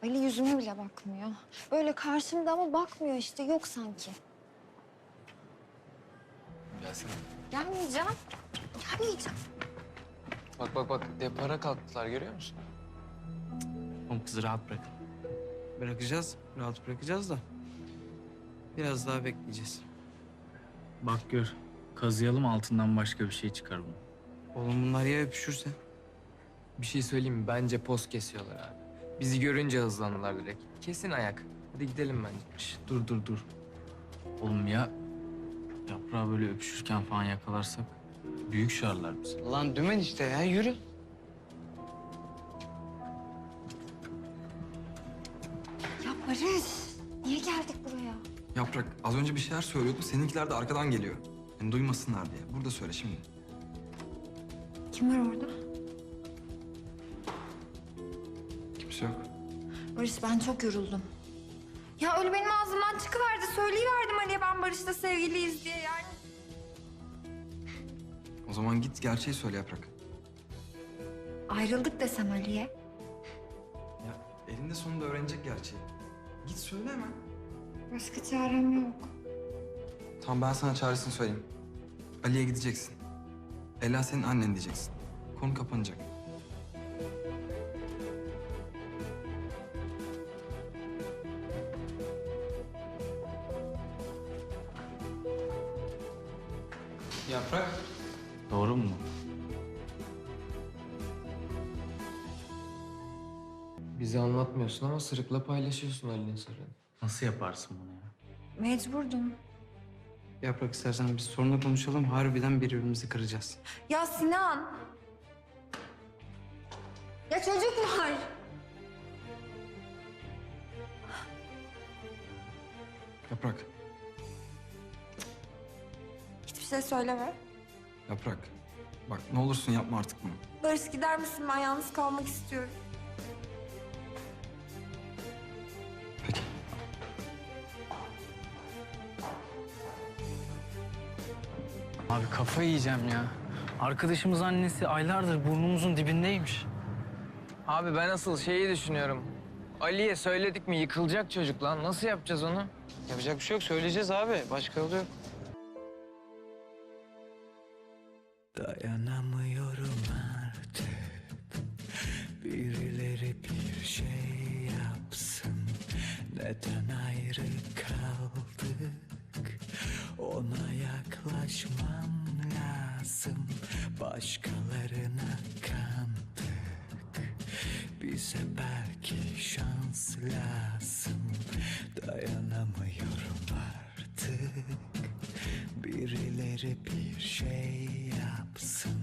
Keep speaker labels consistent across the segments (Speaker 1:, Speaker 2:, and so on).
Speaker 1: Ali yüzüme bile bakmıyor. Böyle karşımda ama bakmıyor işte, yok sanki.
Speaker 2: Gelsene.
Speaker 1: Gelmeyeceğim. Gelmeyeceğim.
Speaker 2: Bak depara kalktılar, görüyor musun?
Speaker 3: Oğlum kızı rahat bırakın. Bırakacağız, rahat bırakacağız da biraz daha bekleyeceğiz.
Speaker 4: Bak gör, kazıyalım altından başka bir şey çıkar bunu.
Speaker 3: Oğlum bunlar ya öpüşürse?
Speaker 2: Bir şey söyleyeyim mi? Bence poz kesiyorlar abi. Bizi görünce hızlandılar direkt. Kesin ayak. Hadi gidelim bence.
Speaker 4: Şş, dur. Oğlum ya yaprağı böyle öpüşürken falan yakalarsak büyük şarlar bizi.
Speaker 3: Lan dümen işte ya, yürü.
Speaker 1: Ya Barış, niye geldik buraya?
Speaker 5: Yaprak az önce bir şeyler söylüyordu. Seninkiler de arkadan geliyor. Yani duymasınlar diye. Burada söyle şimdi.
Speaker 1: Kim var orada?
Speaker 5: Kimse yok.
Speaker 1: Barış, ben çok yoruldum. Ya öyle benim ağzımdan çıkıverdi. Söyleyiverdim Ali'ye ben Barış'la sevgiliyiz diye yani.
Speaker 5: O zaman git gerçeği söyle Yaprak.
Speaker 1: Ayrıldık desem Ali'ye.
Speaker 5: Ya elinde sonunda öğrenecek gerçeği. Git söyle hemen.
Speaker 1: Başka çarem yok.
Speaker 5: Tamam ben sana çaresini söyleyeyim. Ali'ye gideceksin. Ela senin annen diyeceksin. Konu kapanacak. Yaprak.
Speaker 4: Doğru mu?
Speaker 2: Bize anlatmıyorsun ama sırıkla paylaşıyorsun Ali'nin sırrını.
Speaker 4: Nasıl yaparsın bunu ya?
Speaker 1: Mecburdum.
Speaker 3: Yaprak istersen biz sorunla konuşalım, harbiden birbirimizi kıracağız.
Speaker 1: Ya Sinan. Ya çocuk var.
Speaker 5: Yaprak.
Speaker 1: Hiçbir şey söyleme.
Speaker 5: Yaprak. Bak ne olursun yapma artık bunu.
Speaker 1: Barış, gider misin? Ben yalnız kalmak istiyorum.
Speaker 5: Peki.
Speaker 4: Abi kafayı yiyeceğim ya. Arkadaşımız annesi aylardır burnumuzun dibindeymiş.
Speaker 2: Abi ben asıl şeyi düşünüyorum. Ali'ye söyledik mi yıkılacak çocuk lan. Nasıl yapacağız onu?
Speaker 3: Yapacak bir şey yok, söyleyeceğiz abi. Başka yolu yok.
Speaker 6: Dayanamıyorum artık. Birileri bir şey yapsın. Neden ayrı kaldık? Ona yaklaşmam lazım. Başkalarına kandık. Bize belki şans lazım. Dayanamıyorum artık. Birileri bir şey yapsın.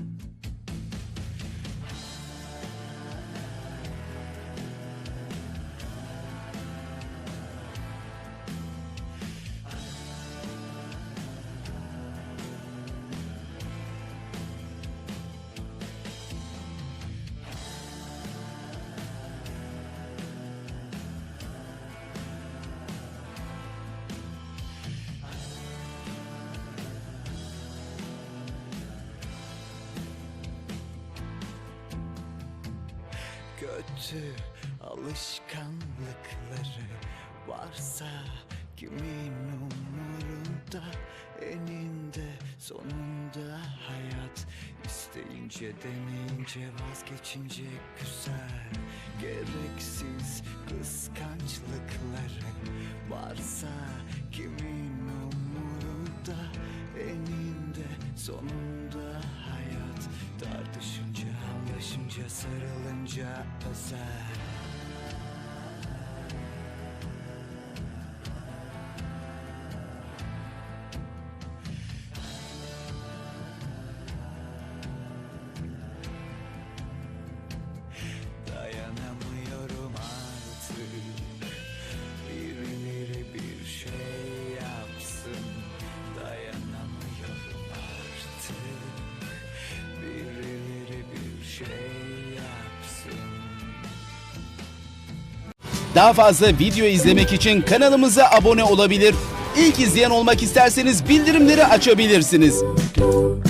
Speaker 6: Kötü alışkanlıkları varsa kimin umurunda? Eninde sonunda hayat, isteyince deneyince vazgeçince güzel. Gereksiz kıskançlıkları varsa kimin umurunda? Eninde sonunda hayat, tartışınca, anlaşınca, sarılınca özel. Dayanamıyorum artık. Birileri bir şey yapsın. Dayanamıyorum artık. Birileri bir şey yapsın.
Speaker 7: Daha fazla video izlemek için kanalımıza abone olabilir. İlk izleyen olmak isterseniz bildirimleri açabilirsiniz.